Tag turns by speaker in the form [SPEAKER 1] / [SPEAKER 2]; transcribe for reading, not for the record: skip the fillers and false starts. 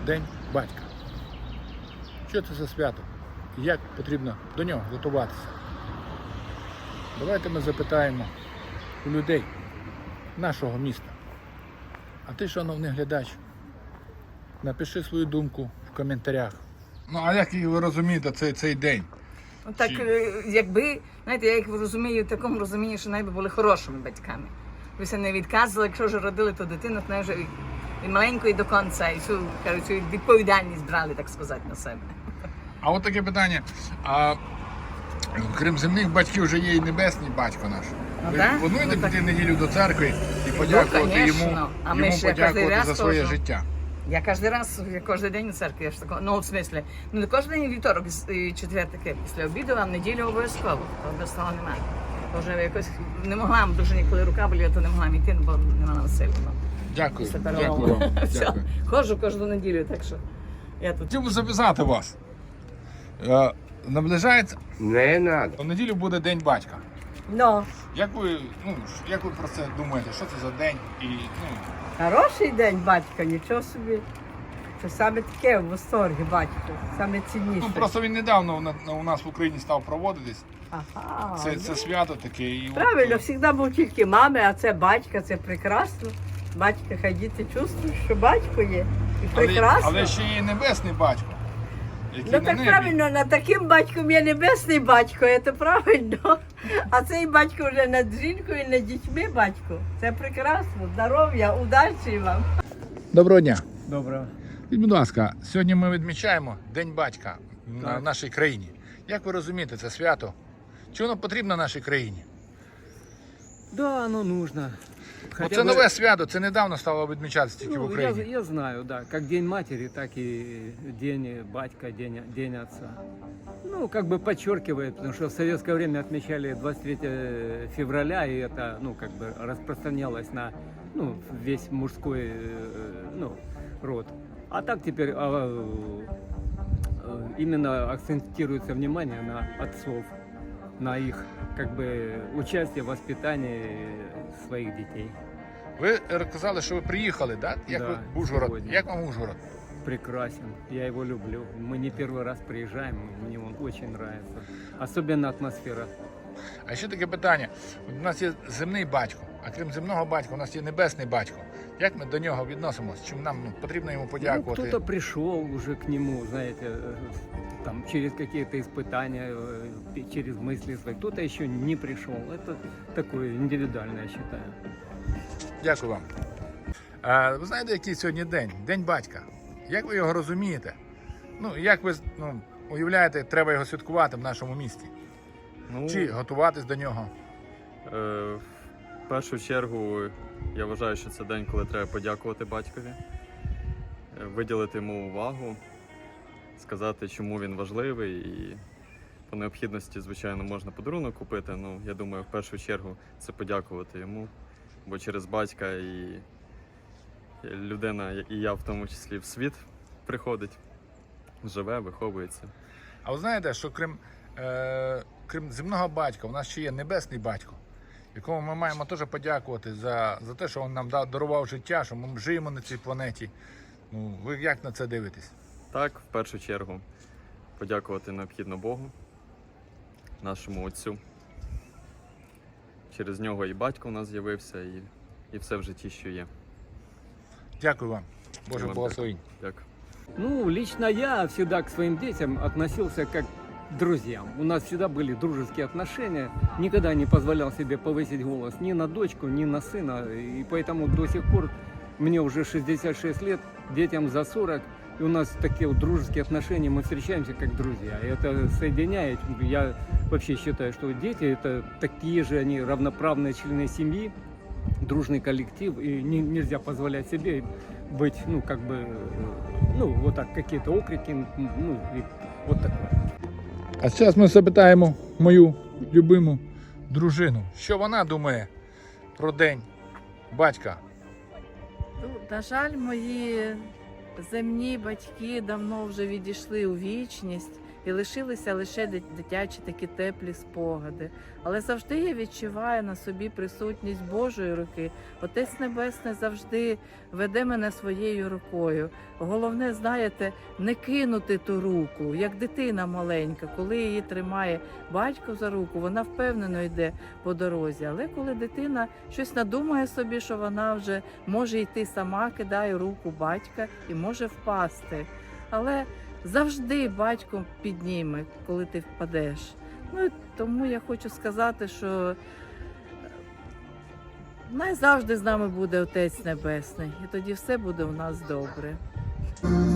[SPEAKER 1] День батька. Що це за свято і як потрібно до нього готуватися? Давайте ми запитаємо у людей нашого міста. А ти, шановний глядач, напиши свою думку в коментарях. Ну, а як ви розумієте цей день?
[SPEAKER 2] Так, якби, знаєте, я їх розумію в такому розумінні, що найби були хорошими батьками. Ви все не відказували, якщо вже родили ту дитину, то вже і маленької до кінця, і цю відповідальність брали, так сказати, на себе.
[SPEAKER 1] А от таке питання. А крім земних батьків, вже є і небесний батько наш. Ви плануєте піти в неділю до церкви і подякувати йому, подякувати за своє життя?
[SPEAKER 2] Я кожен день у церкві, я ж такого, ну, в смислі, не кожен день вівторок, четвер таке, після обіду, а в неділю обов'язково, без того немає. Вже якось не могла, дуже ніколи рука боліла, то не могла йти, бо не мала сили.
[SPEAKER 1] Дякую, дякую вам. Дякую.
[SPEAKER 2] Ходжу кожну неділю, так що я тут.
[SPEAKER 1] Хотів би записати вас. Наближається,
[SPEAKER 3] Не надо.
[SPEAKER 1] в неділю буде День батька.
[SPEAKER 2] Ну,
[SPEAKER 1] Як ви про це думаєте? Що це за день? І,
[SPEAKER 4] Хороший день, батька, нічого собі. Це саме таке в восторгі, батько, саме цінніше.
[SPEAKER 1] просто він недавно у нас в Україні став проводитись.
[SPEAKER 4] Ага.
[SPEAKER 1] Це свято таке. І
[SPEAKER 4] Правильно, завжди був тільки мами, а це батька, це прекрасно. Батька, хай діти чувствують, що батько є. І прекрасно.
[SPEAKER 1] Але ще є небесний батько. Який
[SPEAKER 4] Ну
[SPEAKER 1] на
[SPEAKER 4] так
[SPEAKER 1] небі.
[SPEAKER 4] правильно, над таким батьком є небесний батько, це правильно. А цей батько вже над жінкою, над дітьми батько. Це прекрасно. Здоров'я, удачі вам.
[SPEAKER 1] Доброго дня.
[SPEAKER 5] Доброго.
[SPEAKER 1] Будь ласка, сьогодні ми відмічаємо День батька в нашій країні. Як ви розумієте це свято? Чи воно потрібно нашій країні?
[SPEAKER 5] Да, оно нужно.
[SPEAKER 1] Це нове свято, це недавно стало відмічатися тільки в
[SPEAKER 5] Ну,
[SPEAKER 1] Україні.
[SPEAKER 5] я знаю, да. Как День матери, так и День батька, день отца. Ну, как бы подчеркивает, потому что в советское время отмечали 23 февраля, и это, ну, как бы распространялось на, ну, весь мужской, ну, род. А так теперь именно акцентируется внимание на отцов, на их, как бы, участие в воспитании своих детей.
[SPEAKER 1] Ви казали, що ви приїхали, так? Як
[SPEAKER 5] Да,
[SPEAKER 1] ви в Ужгород?
[SPEAKER 5] сьогодні.
[SPEAKER 1] Як вам Ужгород?
[SPEAKER 5] Прекрасен, я его люблю. Мы не первый раз приезжаем, мне он очень нравится. Особенно атмосфера.
[SPEAKER 1] А ще таке питання. У нас є земний батько, а крім земного батька, у нас є небесний батько. Як ми до нього відносимося? Чим нам потрібно йому
[SPEAKER 5] Ну,
[SPEAKER 1] подякувати?
[SPEAKER 5] кто-то пришел уже к нему, знаете, там, через какие-то испытания, через мысли свои. Кто-то еще не пришел. Это такое индивидуальное, я считаю.
[SPEAKER 1] Дякую вам. Ви знаєте, який сьогодні день? День батька. Як ви його розумієте? Ну, як ви уявляєте, треба його святкувати в нашому місті?
[SPEAKER 6] Ну,
[SPEAKER 1] Чи готуватись до нього?
[SPEAKER 6] в першу чергу я вважаю, що це день, коли треба подякувати батькові, виділити йому увагу, сказати, чому він важливий, і по необхідності, звичайно, можна подарунок купити. Ну, я думаю, в першу чергу це подякувати йому, бо через батька і людина, і я в тому числі, в світ приходить, живе, виховується.
[SPEAKER 1] А ви знаєте, що крім земного батька, у нас ще є небесний батько, якому ми маємо теж подякувати за те, що він нам дарував життя, що ми живемо на цій планеті. Ну, ви як на це дивитесь?
[SPEAKER 6] Так, в першу чергу, подякувати необхідно Богу, нашому Отцю. Через нього і батько у нас з'явився, і все в житті, що є.
[SPEAKER 1] Дякую вам. Боже
[SPEAKER 6] Вам
[SPEAKER 1] благословінь.
[SPEAKER 6] Дякую.
[SPEAKER 5] Ну, лично я всегда к своим детям относился как к друзьям. У нас всегда были дружеские отношения. Никогда не позволял себе повысить голос ни на дочку, ни на сына. И поэтому до сих пор, мне уже 66 лет, детям за 40, и у нас такие вот дружеские отношения, мы встречаемся как друзья. И это соединяет. Я вообще считаю, что дети это такие же, они равноправные члены семьи, дружный коллектив, и нельзя позволять себе быть, ну, как бы, ну, вот так, какие-то окрики, ну, и вот такое.
[SPEAKER 1] А зараз ми запитаємо мою любиму дружину, що вона думає про День батька.
[SPEAKER 7] На жаль, мої земні батьки давно вже відійшли у вічність. і лишилися лише дитячі такі теплі спогади. Але завжди я відчуваю на собі присутність Божої руки. Отець Небесний завжди веде мене своєю рукою. Головне, знаєте, не кинути ту руку, як дитина маленька. Коли її тримає батько за руку, вона впевнено йде по дорозі. Але коли дитина щось надумає собі, що вона вже може йти сама, кидає руку батька і може впасти. Але завжди батько підніме, коли ти впадеш. Ну, і тому я хочу сказати, що завжди з нами буде Отець Небесний, і тоді все буде у нас добре.